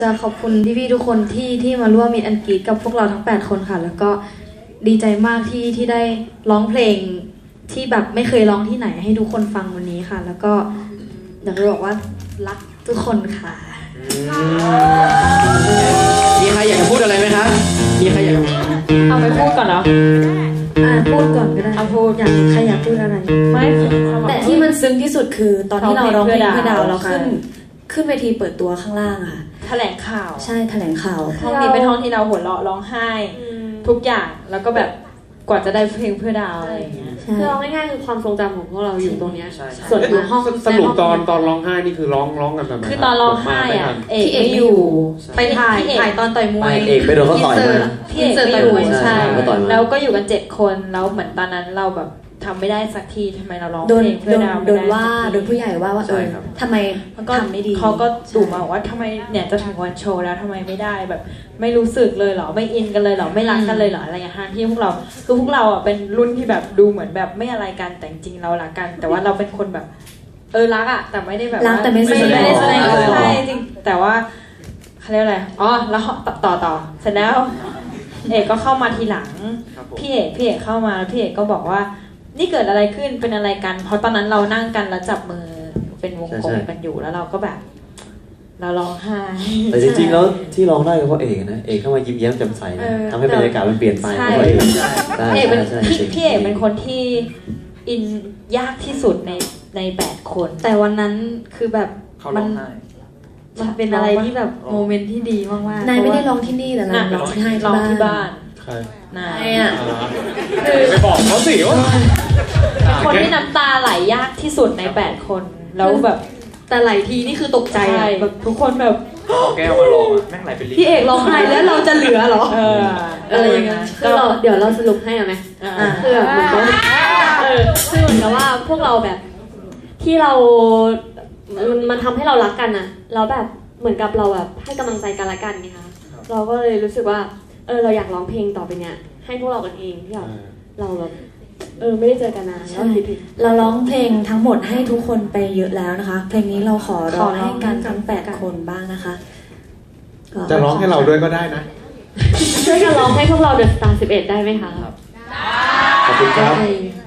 จะขอบคุณพี่ๆทุกคนที่มาร่วมมีอันกรีดกับพวกเราทั้ง8คนค่ะแล้วก็ดีใจมากที่ได้ร้องเพลงที่แบบไม่เคยร้องที่ไหนให้ทุกคนฟังวันนี้ค่ะแล้วก็อยากจะบอกว่ารักทุกคนค่ะมีใครอยากจะพูดอะไรไหมคะมีใครอยากเอาไปพูดก่อนเนาะพูดก่อนก็ได้เอาพูดใครอยากพูดอะไรไม่แต่ที่มันซึ้งที่สุดคือตอนที่เราร้องเพลงเพื่อดาวเราขึ้นเวทีเปิดตัวข้างล่างค่ะแถลงข่าวใช่แถลงข่าวห้องนี้เป็นห้องที่เราหัวเราะร้องไห้ทุกอย่างแล้วก็แบบกว่าจะได้เพลงเพื่อดาวอะไรอย่างเงี้ยคือเราง่ายๆคือความทรงจำของพวกเราอยู่ตรงเนี้ยส่วนอยู่ห้องสรุปตอนร้องไห้นี่คือร้องกันแบบไหนคือตอนร้องไห้อ่ะเอกไม่อยู่ไปถ่ายตอนต่อยมวยเอกไปโดนเขาต่อยมาพี่เอกไม่อยู่ใช่แล้วก็อยู่กัน7คนแล้วเหมือนตอนนั้นเราแบบทำไม่ได้สักทีทำไมเราร้องเพลงเพื่อดาวโดนว่าโดนผู้ใหญ่ว่าทำไมทำไม่ดีเขาก็ดุมาว่าทำไมเนี่ยจะถึงวันโชว์แล้วทำไมไม่ได้แบบไม่รู้สึกเลยเหรอไม่อินกันเลยเหรอไม่รักกันเลยเหรออะไรอย่างเงี้ยที่พวกเราคือพวกเราอ่ะเป็นรุ่นที่แบบดูเหมือนแบบไม่อะไรกันแต่จริงเรารักกันแต่ว่าเราเป็นคนแบบรักอ่ะแต่ไม่ได้แบบรักแต่ไม่ได้แสดงออกใช่จริงแต่ว่าเขาเรียกอะไรแล้วต่อเสร็จแล้วเอกก็เข้ามาทีหลังพี่เอกเข้ามาพี่เอกก็บอกว่านี่เกิดอะไรขึ้นเป็นอะไรกันเพราะตอนนั้นเรานั่งกันแล้วจับมือเป็นวงกลมกันอยู่แล้วเราก็แบบเราร้องไห้แต่จริงๆแล้วที่ร้องได้ก็เพราะเอกนะเอกเข้ามายิ้มแย้มแจ่มใสนะทำให้บรรยากาศมันเปลี่ยนไปเพราะเอกพี่เอกเป็นคนที่อินยากที่สุดใน8คนแต่วันนั้นคือแบบมันเป็นอะไรที่แบบโมเมนต์ที่ดีมากๆนายไม่ได้ร้องที่นี่แต่เราร้องที่บ้านนายอ่ะไปบอกเขาสิว่าเป็นคนที่น้ำตาไหลยากที่สุดใน8คนแล้วแบบแต่ไหลทีนี่คือตกใจอ่ะแบบทุกคนแบบแก้วมาลองแม่งไหลเป็นลิพี่เอกร้องไห้แล้วเราจะเหลือเหรออะไรอย่างเงี้ยคือเราเดี๋ยวเราสรุปให้ไหมคือแบบเหมือนกับคือเหมือนกับว่าพวกเราแบบที่เรามันทำให้เรารักกันนะเราแบบเหมือนกับเราแบบให้กำลังใจกันละกันไงคะเราก็เลยรู้สึกว่าเราอยากร้องเพลงต่อไปเนี้ยให้พวกเรากันเองที่แบบเราแบบไม่ได้เจอกันนานเราร้องเพลงทั้งหมดให้ทุกคนไปเยอะแล้วนะคะเพลงนี้เราขอร้องให้กันทั้ง8คนบ้างนะคะจะร้องให้เราด้วยก็ได้นะช่วยกันร้องให้พวกเราเดอะสตาร์11ได้ไหมคะขอบคุณครับ